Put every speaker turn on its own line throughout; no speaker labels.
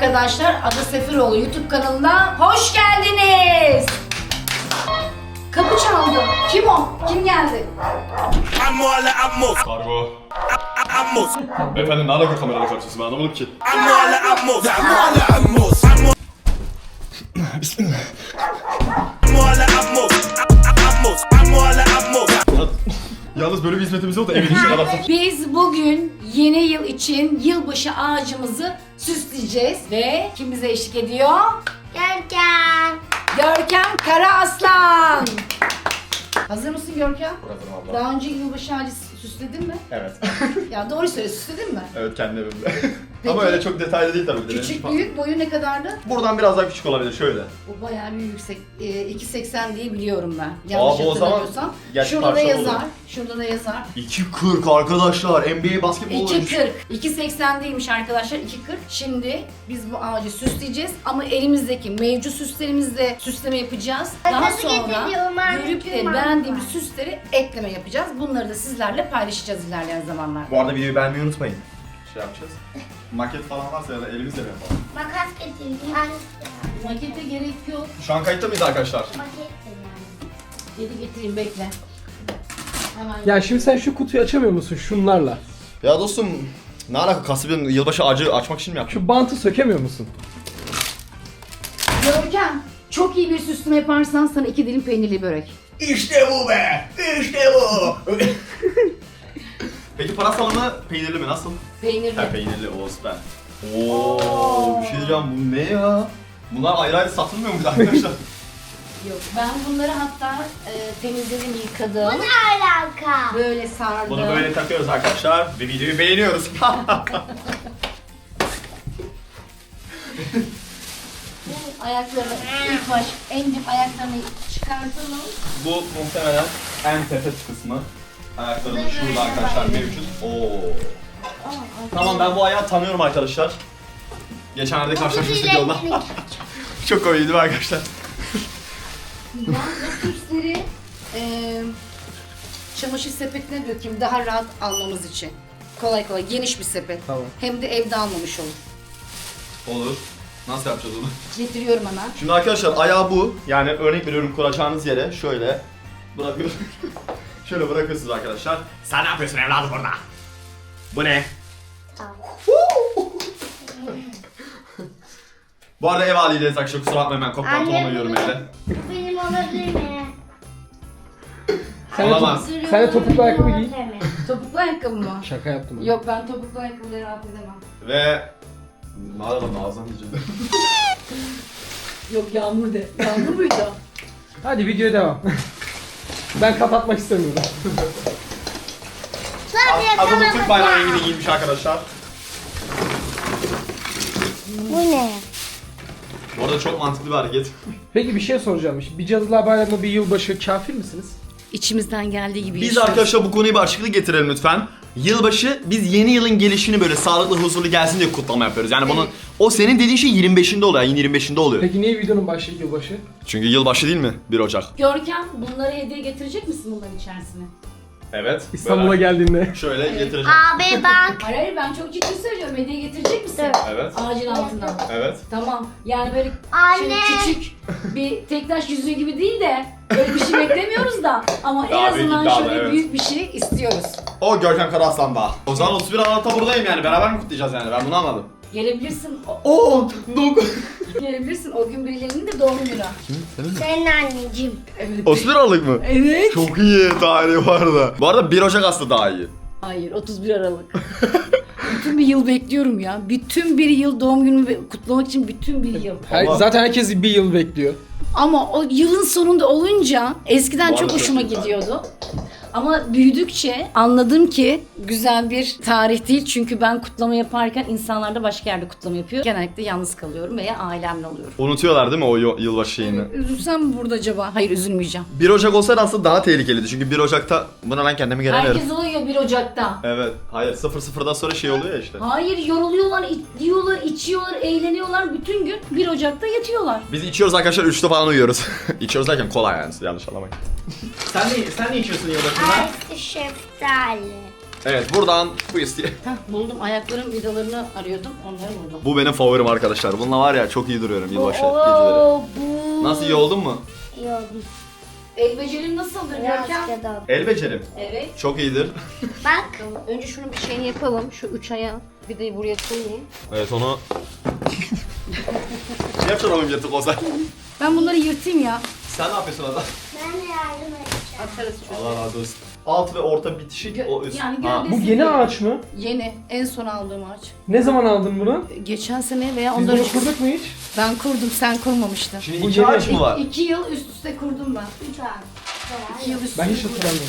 arkadaşlar, Ada Seferoğlu YouTube kanalına hoş geldiniz. Kapı çaldı. Kim o? Kim geldi?
Kargo. Efendim ne alaka kamerayla karşısın, ben anlamadım ki. Bismillah. Yalnız böyle bir hizmetimiz yok da evin içine kadar.
Biz bugün yeni yıl için yılbaşı ağacımızı süsleyeceğiz ve kim bize eşlik ediyor?
Görkem.
Görkem Karaaslan. Hazır mısın Görkem?
Hazırım abla.
Daha önce yılbaşı ağacı süsledin mi?
Evet.
Ya doğru söyle, süsledin mi?
Evet, kendi evimde.
Peki.
Ama öyle çok detaylı değil tabii.
Küçük, büyük, boyu ne kadardı?
Buradan biraz daha küçük olabilir, şöyle.
Bu bayağı bir yüksek. 2.80 diye biliyorum ben. Yanlış
bu o zaman
hatırlamıyorsam.
gerçi
Şurada da
parça
yazar.
olur.
Şurada da yazar.
2.40 arkadaşlar, NBA basketbol
2.40. 2.80 değilmiş arkadaşlar, 2.40. Şimdi biz bu ağacı süsleyeceğiz ama elimizdeki mevcut süslerimizle süsleme yapacağız. Daha
Makası
sonra
getiriyorum,
görüp de
marketim
beğendiğimiz
var.
süsleri ekleme yapacağız. Bunları da sizlerle paylaşacağız ilerleyen zamanlarda.
Bu arada videoyu beğenmeyi unutmayın. Şey yapacağız. Maket falan varsa ya da elimizle mi yapalım?
Makas getirdim.
Makete gerek yok.
Şu an kayıtta mıyız arkadaşlar?
Maket
Geri getireyim, bekle. Hemen.
Ya şimdi sen şu kutuyu açamıyor musun şunlarla?
Ya dostum, ne alaka, kasabın yılbaşı ağacı açmak için mi yaptın?
Şu bantı sökemiyor musun?
Görkem, çok iyi bir süsleme yaparsan sana 2 dilim peynirli börek.
İşte bu be! İşte bu! Peki pırasa mı, peynirli mi, nasıl?
Peynirli.
Ha, peynirli, o süper. Oo, bir şey diyeceğim, bu ne ya? Bunlar ayrı ayrı satılmıyor muydu arkadaşlar?
Yok, ben bunları hatta temizledim, yıkadım.
Bu ne alaka?
Böyle sardım.
Bunu böyle takıyoruz arkadaşlar ve videoyu beğeniyoruz.
Ayaklarını ilk baş, en dip ayaklarını çıkartalım.
Bu muhtemelen en tepe kısmı. Ayaklarımız şurada arkadaşlar mevcut. Oo. Tamam, ben bu ayağı tanıyorum arkadaşlar. Geçenlerde karşılaşmıştık yolda. Çok komikti değil mi arkadaşlar?
Ben bu süsleri çamaşır sepetine dökeyim daha rahat almamız için. Kolay kolay, geniş bir sepet.
Tamam.
Hem de evde almamış olur.
Olur. Nasıl yapacağız onu?
Getiriyorum hemen.
Şimdi arkadaşlar ayağı bu. Yani örnek veriyorum, kuracağınız yere şöyle bırakıyorsunuz. Şöyle bırakıyorsunuz arkadaşlar. Sen ne yapıyorsun evladım burada? Bu ne? Bu arada ev haliyle arkadaşlar, kusura bakmayın, ben koptan toplamayıyorum evde.
Bu benim olabilir mi?
Sen de,
Olamaz.
sen de topuklu ayakkabı giy.
Topuklu ayakkabı mı?
Şaka yaptım. ben.
Yok, ben topuklu ayakkabıları rahat edemem.
Ve... Ne yapalım, ağzından diyeceğim.
Yok, Yağmur de. Yağmur muydu?
Hadi videoya devam. Ben kapatmak istemiyorum.
Adamın Türk bayrağı rengini giymiş arkadaşlar.
Bu ne?
Bu arada çok mantıklı bir hareket.
Peki bir şey soracağım. Bir Cadılar Bayramı, bir yılbaşı kafir misiniz?
İçimizden geldiği gibi
Biz
yaşıyoruz.
arkadaşlar bu konuyu bir açıklık getirelim lütfen. Yılbaşı, biz yeni yılın gelişini böyle sağlıklı, huzurlu gelsin diye kutlama yapıyoruz. Yani bunun, o senin dediğin şey 25'inde oluyor, ayın 25'inde oluyor.
Peki niye videonun başı yılbaşı?
Çünkü yılbaşı değil mi? 1 Ocak.
Görkem, bunları hediye getirecek misin bunların içerisine?
Evet.
İstanbul'a geldiğinde.
Şöyle getireceğim.
Abi bak.
Hayır hayır, ben çok ciddi söylüyorum. Hediye getirecek misin?
Evet.
Ağacın altından.
Evet.
Tamam. Yani böyle
Anne.
şöyle küçük bir tektaş yüzüğü gibi değil de öyle bir şey beklemiyoruz da ama
Daha
en
büyük
azından
iddialı,
şöyle
evet.
büyük bir şey istiyoruz.
O Görkem Karaaslan'da. O zaman 31 Aralık'ta buradayım yani. Beraber mi kutlayacağız yani? Ben bunu anladım.
Gelebilirsin.
Oo!
Gelebilirsin. O gün birilerinin de doğum günü.
Senin anneciğim.
Evet.
31 Aralık mı?
Evet.
Çok iyi tarihi bu arada. Bu arada 1 Ocak aslında daha iyi.
Hayır, 31 Aralık. Bütün bir yıl bekliyorum ya. Bütün bir yıl doğum günümü kutlamak için bütün bir yıl.
Allah.
Zaten herkes bir yıl bekliyor.
Ama o yılın sonunda olunca eskiden
Bu
çok
arada
hoşuma
çok güzel.
gidiyordu. Ama büyüdükçe anladım ki güzel bir tarih değil. Çünkü ben kutlama yaparken insanlar da başka yerde kutlama yapıyor. Genellikle yalnız kalıyorum veya ailemle oluyorum.
Unutuyorlar değil mi o yılbaşı şeyini?
Üzülsem mi burada acaba? Hayır, üzülmeyeceğim.
1 Ocak olsaydı aslında daha tehlikeliydi. Çünkü 1 Ocak'ta buna lan kendimi gelemiyorum.
Herkes oluyor 1 Ocak'ta.
Evet. Hayır, 00'dan sonra şey oluyor ya işte.
Hayır, yoruluyorlar, yiyorlar, içiyorlar, eğleniyorlar. Bütün gün 1 Ocak'ta yatıyorlar.
Biz içiyoruz arkadaşlar, 3'te falan uyuyoruz. İçiyoruz derken kola yani, yanlış anlamayın. Sen ne içiyorsun yılbaşında?
Ice şeftali.
Evet buradan bu isteği.
Heh, buldum. Ayakların vidalarını arıyordum. Onları buldum.
Bu benim favorim arkadaşlar. Bununla var ya çok iyi duruyorum yılbaşı geceleri.
Bu.
Nasıl iyi oldun mu?
İyi oldu.
El becerin nasıldır
Biraz
Görkem?
kadar.
El becerim.
Evet.
Çok iyidir.
Bak.
Tamam. Önce şunun bir şeyini yapalım. Şu 3 ayağı vidayı buraya koyayım.
Evet onu... Ne yapacaksın oğlum yırtık olsa?
Ben bunları yırtayım ya.
Sen ne yapıyorsun adam?
Ben de yardım edeceğim.
Atarız çöpe.
Allah razı olsun. Alt ve orta bitişik o üst.
Yani
Ha.
gövdesi-
Bu yeni ağaç mı?
Yeni. En son aldığım ağaç.
Ne zaman aldın bunu?
Geçen sene veya
Biz
ondan
bunu
önce.
kurduk mu hiç?
Ben kurdum, sen kurmamıştın.
Şimdi
Bu
iki
yeni-
ağaç mı var?
2 yıl üst üste kurdum ben.
3 ay.
2 yıl üst
Ben
üste
hiç
kurdum.
hatırlamıyorum.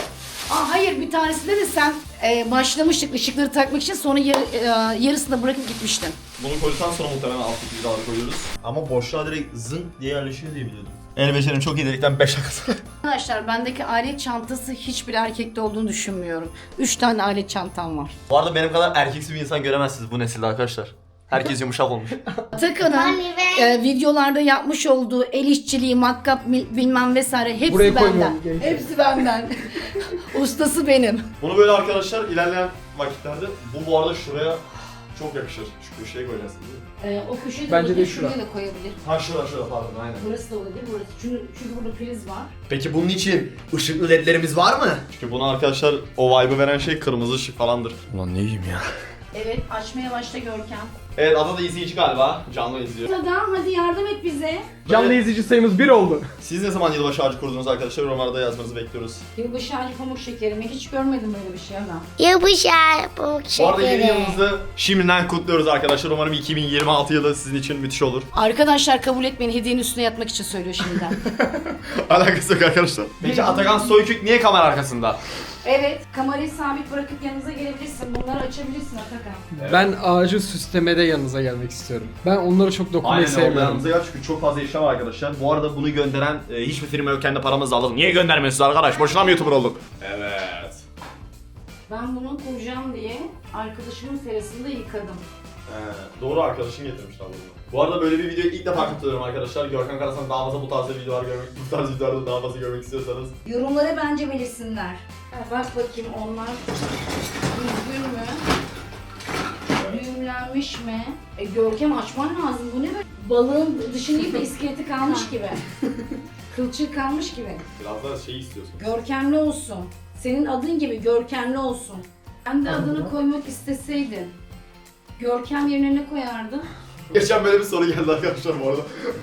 Hayır, bir tanesinde de sen başlamıştık ışıkları takmak için, sonra yarısını bırakıp gitmiştin.
Bunu koyduktan sonra muhtemelen alttaki vidaları koyuyoruz. Ama boşluğa direkt zın diye yerleşiyor diye biliyordum. El becerim çok iyi dedikten 5 dakika.
Arkadaşlar bendeki alet çantası hiçbir erkekte olduğunu düşünmüyorum. 3 tane alet çantam var.
Bu arada benim kadar erkeksi bir insan göremezsiniz bu nesilde arkadaşlar. Herkes yumuşak olmuş.
Atakan'ın
Hani ve-
videolarda yapmış olduğu el işçiliği, matkap bilmem vesaire hepsi
Buraya
benden.
koymuyorum, gençler.
Hepsi benden. Ustası benim.
Bunu böyle arkadaşlar ilerleyen vakitlerde bu arada şuraya çok yakışır. Şu köşeye koyacaksın değil mi?
O köşede
Bence de
olabilir,
şura.
şuraya da koyabilir.
Ha şurada pardon aynen.
Burası da olabilir, burası. Çünkü burada priz var.
Peki bunun için ışıklı ledlerimiz var mı? Çünkü buna arkadaşlar o vibe'ı veren şey kırmızı ışık falandır. Ulan ne yiyeyim ya.
Evet, açmaya başla Görkem.
Evet Ada da izleyici galiba. Canlı izliyor.
Adam hadi yardım et bize.
Canlı izleyici sayımız 1 oldu.
Siz ne zaman yılbaşı ağacı kurdunuz arkadaşlar? Yorumlarda yazmanızı bekliyoruz.
Yılbaşı ağacı pamuk şekerimi hiç görmedim böyle bir şey ama.
Yılbaşı pamuk
Bu arada yeni
şekeri.
yılınızı şimdiden kutluyoruz arkadaşlar. Umarım 2026 yılı sizin için müthiş olur.
Arkadaşlar kabul etmeyin, hediyenin üstüne yatmak için söylüyor şimdiden.
Alakası yok arkadaşlar. Peki Atakan Soykük niye kamera arkasında?
Evet, kamerayı sabit bırakıp yanınıza gelebilirsin. Bunları açabilirsin Atakan.
Evet.
Ben ağacı süslemede yanınıza gelmek istiyorum. Ben onlara çok dokunmayı
Aynen oldu
sevmiyorum.
yanımıza gel çünkü çok fazla işlem var arkadaşlar. Bu arada bunu gönderen hiçbir firma yok, kendi paramızla alalım. Niye göndermiyorsunuz arkadaş? Boşuna mı YouTuber olduk? Evet.
Ben bunu kuracağım diye arkadaşımın terasında yıkadım.
Doğru arkadaşım getirmiş abi bunu. Bu arada böyle bir videoyu ilk defa katılıyorum arkadaşlar. Görkem Karasan daha fazla bu tarz videolar görmek, bu tarz videolarda daha fazla görmek istiyorsanız.
Yorumlara bence belirsinler. Bak bakayım onlar düzgün mü? Düğümlenmiş mi? Görkem açman lazım. Bu ne böyle? Balığın dışını yiyip de iskeleti kalmış gibi. Kılçığı kalmış gibi.
Biraz daha şey istiyorsun.
Görkemli olsun. Senin adın gibi görkemli olsun. Ben de adını koymak isteseydin. Görkem yerine ne koyardın?
Geçen böyle bir soru geldi arkadaşlar bu arada.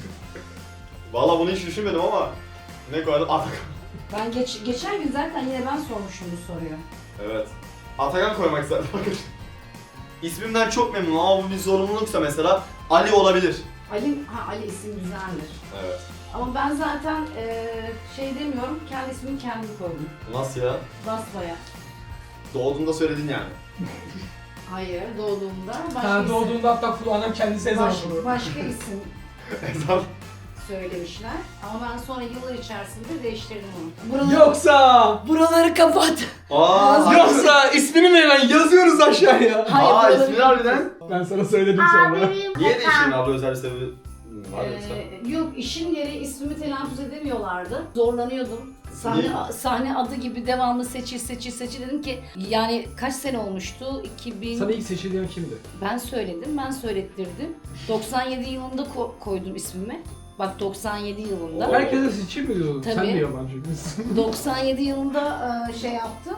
Valla bunu hiç düşünmedim ama ne koyardım? Atakan.
Ben geçen gün zaten yine ben sormuşum bu soruyu.
Evet. Atakan koymak isterdim arkadaşlar. İsmimden çok memnunum ama bu bir zorunluluksa mesela Ali olabilir.
Ali isim güzeldir.
Evet.
Ama ben zaten şey demiyorum, kendi ismimi kendim koydum.
Nasıl ya?
Basbaya.
Doğduğunda söyledin yani.
Hayır, doğduğumda başka
Ha,
isim.
doğduğunda hatta Fulu annem kendisi ezan okudu.
Başka isim
Ezan.
söylemişler. Ama ben sonra yıllar içerisinde değiştirdim onu.
Buraları
kapat.
Aa,
Yoksa ismini mi hemen yazıyoruz aşağıya?
Hayır,
Aa
buraları
ismini harbiden.
Ben sana söyledim sonra.
Abimin
Niye değiştirdin
kaka.
abla, özel bir sebebi var yoksa?
Yok, işin yeri ismimi telaffuz edemiyorlardı. Zorlanıyordum.
Niye?
Sahne adı gibi devamlı seçil dedim ki yani kaç sene olmuştu? 2000
Sana ilk seçildiğin kimdi?
Ben söylettirdim. 97 yılında koydum ismimi. Bak 97 yılında.
Oo.
Herkese seçeyim mi diyordun? Sen
Tabii.
de yabancı mısın?
97 yılında şey yaptım.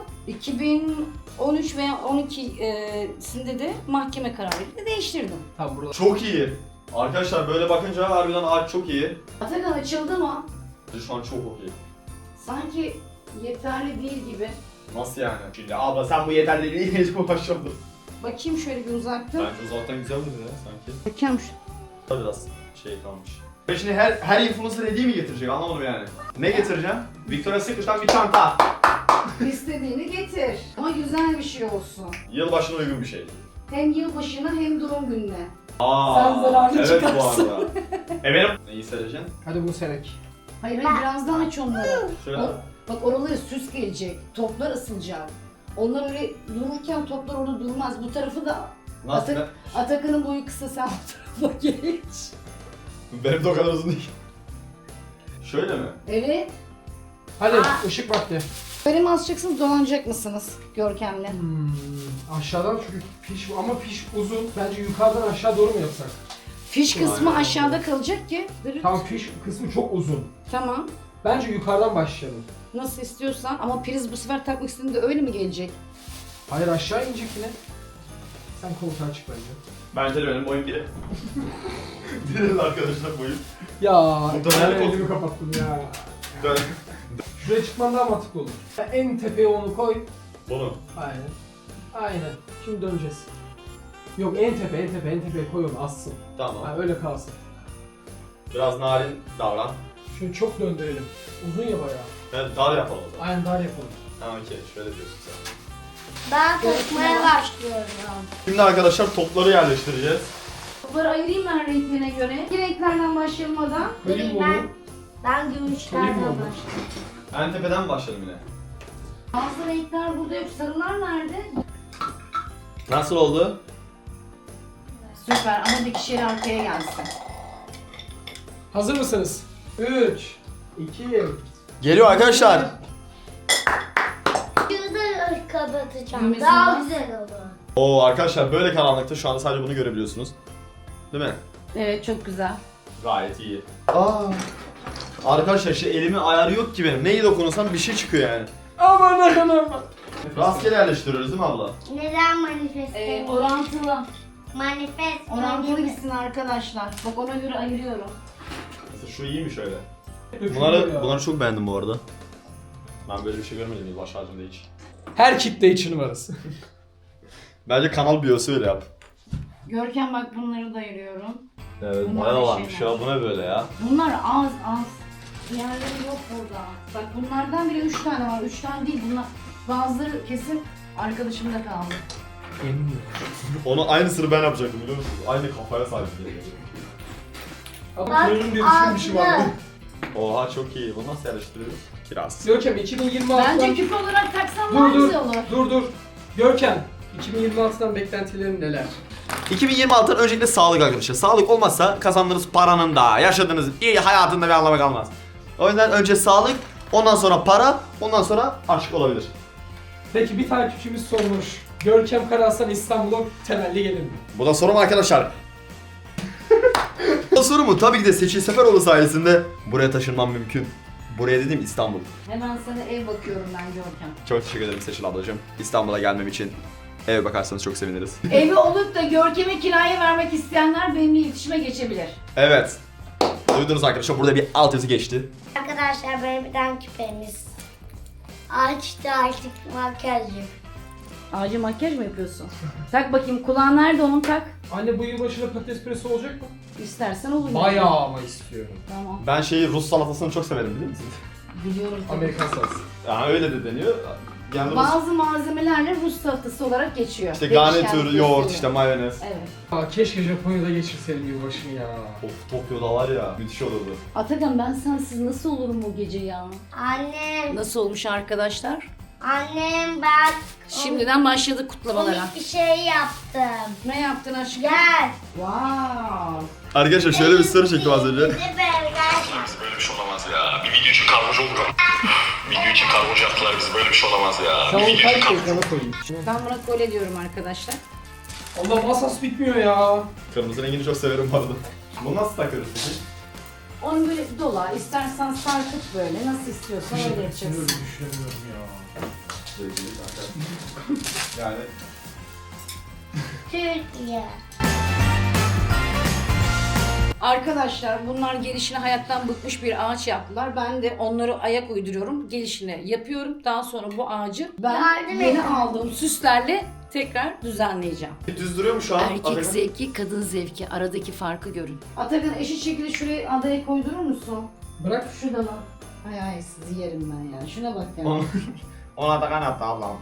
2013 veya 12'sinde de mahkeme kararıyla değiştirdim.
Tamam burada.
Çok iyi. Arkadaşlar böyle bakınca harbiden ağaç çok iyi.
Atakan açıldı ama
Şu an çok iyi.
sanki yeterli değil gibi.
Nasıl yani? Şimdi abla sen bu yeter dediğin hiç mi başladın?
Bakayım şöyle bir uzakta.
Bence uzaktan güzel duruyor ya sanki.
Bakıyorum
Biraz şey kalmış. Şimdi her influencer hediye mi getirecek anlamadım yani. Ne getireceğim? Victoria's Secret'tan bir çanta.
İstediğini getir. Ama güzel bir şey olsun.
Yılbaşına uygun bir şey.
Hem yılbaşına hem doğum gününe.
Aa,
Sen zararlı
evet
çıkarsın.
bu arada. Benim. Neyi sereceksin?
Hadi bunu serek.
Hayır biraz daha aç onları.
Şöyle.
Bak oraları süs gelecek. Toplar ısılacak. Onlar öyle dururken toplar orada durmaz. Bu tarafı da
Nasıl?
Atakan'ın boyu kısa, sen bu tarafa geç.
Benim de o kadar uzun değil. Şöyle mi?
Evet.
Hadi ışık vakti.
Böyle mi asacaksınız, dolanacak mısınız Görkem'le?
Aşağıdan çünkü piş ama piş uzun. Bence yukarıdan aşağı doğru mu yapsak?
Fiş kısmı aşağıda kalacak ki. Dırıt.
Tam piş kısmı çok uzun.
Tamam.
Bence yukarıdan başlayalım.
Nasıl istiyorsan ama priz bu sefer takmak istediğinde öyle mi gelecek?
Hayır aşağı inecek yine. Sen koltuğa çık bence.
Bence de benim boyum biri. Direkt arkadaşlar boyum.
Ya
Burada
ben
nerede
elimi kapattım ya.
Dön.
Şuraya çıkman daha mantıklı olur. En tepeye onu koy.
Bunu.
Aynen. Aynen. Şimdi döneceğiz. Yok en tepeye koy onu assın.
Tamam.
Ha, öyle kalsın.
Biraz narin davran.
Şunu çok döndürelim. Uzun ya bayağı.
Evet, dar yapalım o zaman.
Aynen dar yapalım.
Ha okey, şöyle diyorsun sen.
Ben kokmaya başlıyorum.
Şimdi arkadaşlar topları yerleştireceğiz.
Topları ayırayım ben renklerine göre. Bir renklerden başlayalım.
Koyayım mı onu?
Ben gümüşlerden
Koyayım mı onu?
başlıyorum.
En tepeden başlayalım yine.
Bazı renkler burada yok. Sarılar nerede?
Nasıl oldu?
Süper ama dikişleri arkaya gelsin.
Hazır mısınız? 3, 2,
Geliyor arkadaşlar.
Şurada kapatacağım.
Düğmesi
Daha
var.
güzel olur.
Oo arkadaşlar böyle karanlıkta şu anda sadece bunu görebiliyorsunuz. Değil mi?
Evet çok güzel.
Gayet iyi. Arkadaşlar işte elimin ayarı yok ki benim. Neyi dokunursam bir şey çıkıyor yani.
aman aman.
Rastgele yerleştiriyoruz değil mi abla?
Neden manifest?
Orantılı.
Manifest.
Orantılı gitsin arkadaşlar. Bak ona göre ayırıyorum.
Mesela şu iyi mi şöyle?
Bunları
Bunları çok beğendim bu arada. Ben böyle bir şey görmedim baş harcımda hiç.
her kitle için varız.
Bence kanal biyosu öyle yap.
Görkem bak bunları da ayırıyorum.
Evet
Bunlar
bayağı
bir
varmış
şeyler.
ya, bu ne böyle ya?
Bunlar az. Diğerleri yok burada. Bak bunlardan bile 3 tane var. 3 tane değil bunlar. Bazıları kesin arkadaşımda kaldı.
Eminim.
Onu aynısını ben yapacaktım biliyor musun? Aynı kafaya sahip.
Ama
Bak,
kırılım diye düşün bir şey var.
ağzı.
Oha çok iyi. Bunu nasıl yerleştiriyoruz? Kiraz.
Görkem 2026'dan...
Bence küp olarak taksam daha
Dur
güzel olur.
dur. Görkem 2026'dan beklentilerin neler?
2026'dan öncelikle sağlık arkadaşlar. Sağlık olmazsa kazandığınız paranın da, yaşadığınız iyi hayatında bir anlamı kalmaz. O yüzden önce sağlık, ondan sonra para, ondan sonra aşk olabilir.
Peki bir takipçimiz sormuş. Görkem Karaslan İstanbul'a temelli gelir mi?
Bu da sorum arkadaşlar. Bu soru mu? Tabii ki de Seçil Seferoğlu sayesinde buraya taşınmam mümkün. Buraya dedim İstanbul.
Hemen sana ev bakıyorum ben Görkem.
Çok teşekkür ederim Seçil ablacığım. İstanbul'a gelmem için eve bakarsanız çok seviniriz.
Evi olup da Görkem'e kiraya vermek isteyenler benimle iletişime geçebilir.
Evet. Duydunuz arkadaşlar, burada bir alt yazı geçti.
Arkadaşlar benim bir tane küpemiz. Açtı artık makyajı.
Ağacı makyaj mı yapıyorsun? Tak bakayım, kulağın nerede onun, tak.
Anne bu yılbaşında patates püresi olacak mı?
İstersen olur.
Bayağı ama istiyorum.
Tamam.
Ben Rus salatasını çok severim biliyor musunuz?
Biliyorum. tabii.
Amerikan salatası.
Ya öyle de deniyor. Yani Rus,
Bazı malzemelerle Rus salatası olarak geçiyor.
işte
Değişken
garnitür,
bir
yoğurt,
sürü.
işte mayonez.
Evet.
Aa, keşke Japonya'da geçirseydim yılbaşını ya.
Of Tokyo'da var ya, müthiş olurdu.
Atakan ben sensiz nasıl olurum bu gece ya?
Annem,
Nasıl olmuş arkadaşlar?
annem ben
Şimdiden başladık kutlamalara.
komik bir şey yaptım.
Ne yaptın aşkım?
Gel.
Wow.
Arkadaşlar şöyle bir soru çektim az önce.
Bizi gel.
Böyle bir şey olamaz ya. Bir video için kargocu oldu. Video için kargocu yaptılar bizi. Böyle bir şey olamaz ya.
Sen
Bir
onu
video için
kaç ekrana koyayım.
Ben buna kole diyorum arkadaşlar.
Allah masas bitmiyor ya.
Kırmızı rengini çok severim bu arada. Bunu nasıl takıyoruz peki?
Onu böyle dola, istersen sarkıt böyle. Nasıl istiyorsan öyle yapacaksın.
Düşünemiyorum ya.
Yani
Türkiye.
Arkadaşlar bunlar gelişine hayattan bıkmış bir ağaç yaptılar. Ben de onları ayak uyduruyorum. Gelişine yapıyorum. Daha sonra bu ağacı ben
Yardım
yeni
edin.
aldığım süslerle tekrar düzenleyeceğim.
düz duruyor mu şu an?
Erkek
Atakan?
zevki, kadın zevki. Aradaki farkı görün. Atakan eşit şekilde şuraya adaya koydurur musun?
Bırak.
Şu da lan. Ay sizi yerim ben ya. Şuna bak ya.
Ona Atakan attı ablam.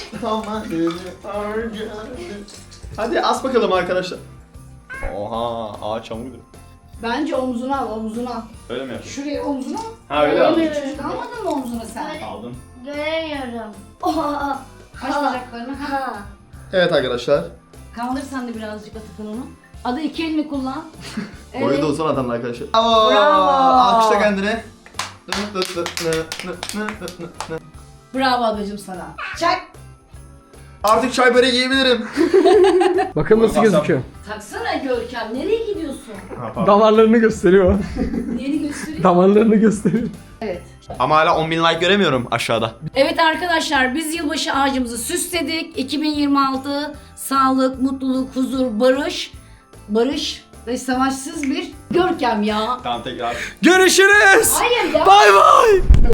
Hadi as bakalım arkadaşlar. Oha ağaç çamurdu.
Bence omzuna al, omzuna al.
Öyle mi yapıyorsun?
Şuraya omzuna al.
Ha öyle aldım.
Küçücük almadın mı omzuna sen?
Aldım.
Göremiyorum. Oha.
Aç bacaklarını. Ha.
Ha.
Evet arkadaşlar.
Kaldır sen de birazcık Atakan onu. Adı iki elini kullan.
Boyu da uzun adamlar arkadaşlar.
Bravo.
Alkışla kendini.
Bravo ablacığım sana. Çak.
Artık çay böreği yiyebilirim.
Bakın nasıl
Buyurun,
gözüküyor.
Taksana Görkem, nereye gidiyorsun?
Damarlarını gösteriyor.
Neyini göstereyim?
Damarlarını gösteriyor.
Evet.
Ama hala 10.000 like göremiyorum aşağıda.
Evet arkadaşlar, biz yılbaşı ağacımızı süsledik. 2026 sağlık, mutluluk, huzur, barış ve savaşsız bir Görkem ya.
Tamam tekrar. Görüşürüz.
Hayır ya.
Bay bay.